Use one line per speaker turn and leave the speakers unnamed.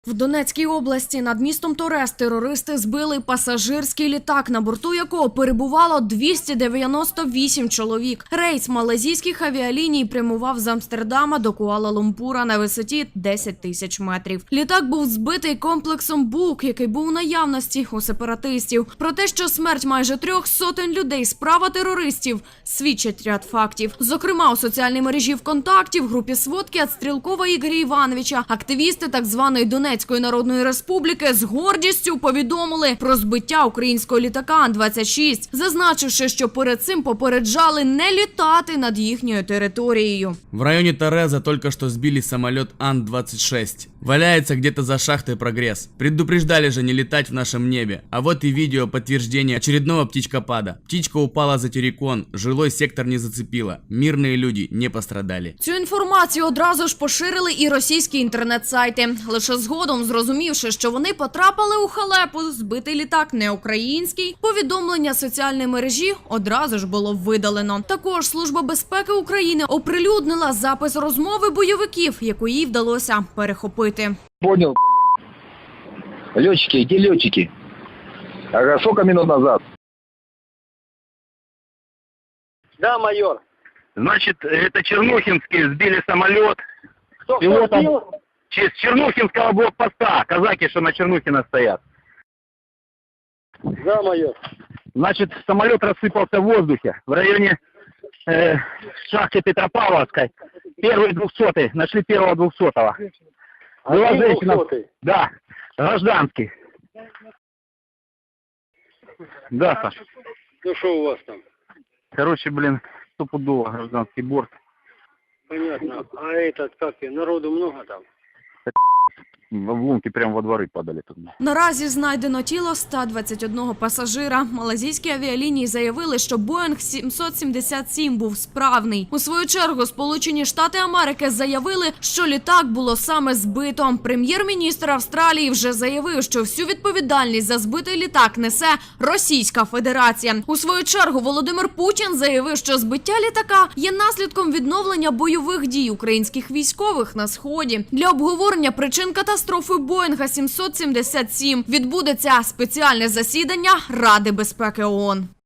В Донецькій області над містом Торез терористи збили пасажирський літак, на борту якого перебувало 298 чоловік. Рейс малайзійських авіаліній прямував з Амстердама до Куала-Лумпура на висоті 10 тисяч метрів. Літак був збитий комплексом БУК, який був у наявності у сепаратистів. Про те, що смерть майже 300 людей – справа терористів, свідчать ряд фактів. Зокрема, у соціальній мережі ВКонтакті в групі сводки від Стрілкова Ігоря Івановича активісти так званої Донецької Народної Республіки з гордістю повідомили про збиття українського літака Ан-26, зазначивши, що перед цим попереджали не літати над їхньою територією.
В районе Тореза только что сбили самолет Ан-26. Валяется где-то за шахтой «Прогресс». Предупреждали же не летать в нашем небе. А вот и видео подтверждения очередного птичкопада. Птичка упала за террикон, жилой сектор не зацепила. Мирные люди не пострадали.
Цю інформацію одразу ж поширили і російські інтернет-сайти. Лише згодом, зрозумівши, що вони потрапили у халепу, збитий літак не український, повідомлення соціальної мережі одразу ж було видалено. Також Служба безпеки України оприлюднила запис розмови бойовиків, яку їй вдалося перехопити.
Понял, блядь. Летчики, где летчики? Ага, сколько минут назад?
Да, майор.
Значит, это Чернухинские сбили самолет.
Кто
Пилотом
сбил?
с Чернухинского блокпоста. Казаки, что на Чернухина стоят.
Да, майор.
Значит, самолет рассыпался в воздухе в районе шахты Петропавловской. Первый 200-й. Нашли первого 200-го. Была
Один
женщина.
200-й?
Да, гражданский. Да, Саш.
Ну что у вас там?
Короче, блин, стопудово гражданский борт.
Понятно. А этот, как и, народу много там?
В обломки прямо во дворы падали тут.
Наразі знайдено тіло 121 пасажира. Малайзійські авіалінії заявили, що Боїнг 777 був справний. У свою чергу Сполучені Штати Америки заявили, що літак було саме збито. Прем'єр-міністр Австралії вже заявив, що всю відповідальність за збитий літак несе Російська Федерація. У свою чергу Володимир Путін заявив, що збиття літака є наслідком відновлення бойових дій українських військових на Сході. Для обговорення причин катастрофи Боїнга 777 відбудеться спеціальне засідання Ради безпеки ООН.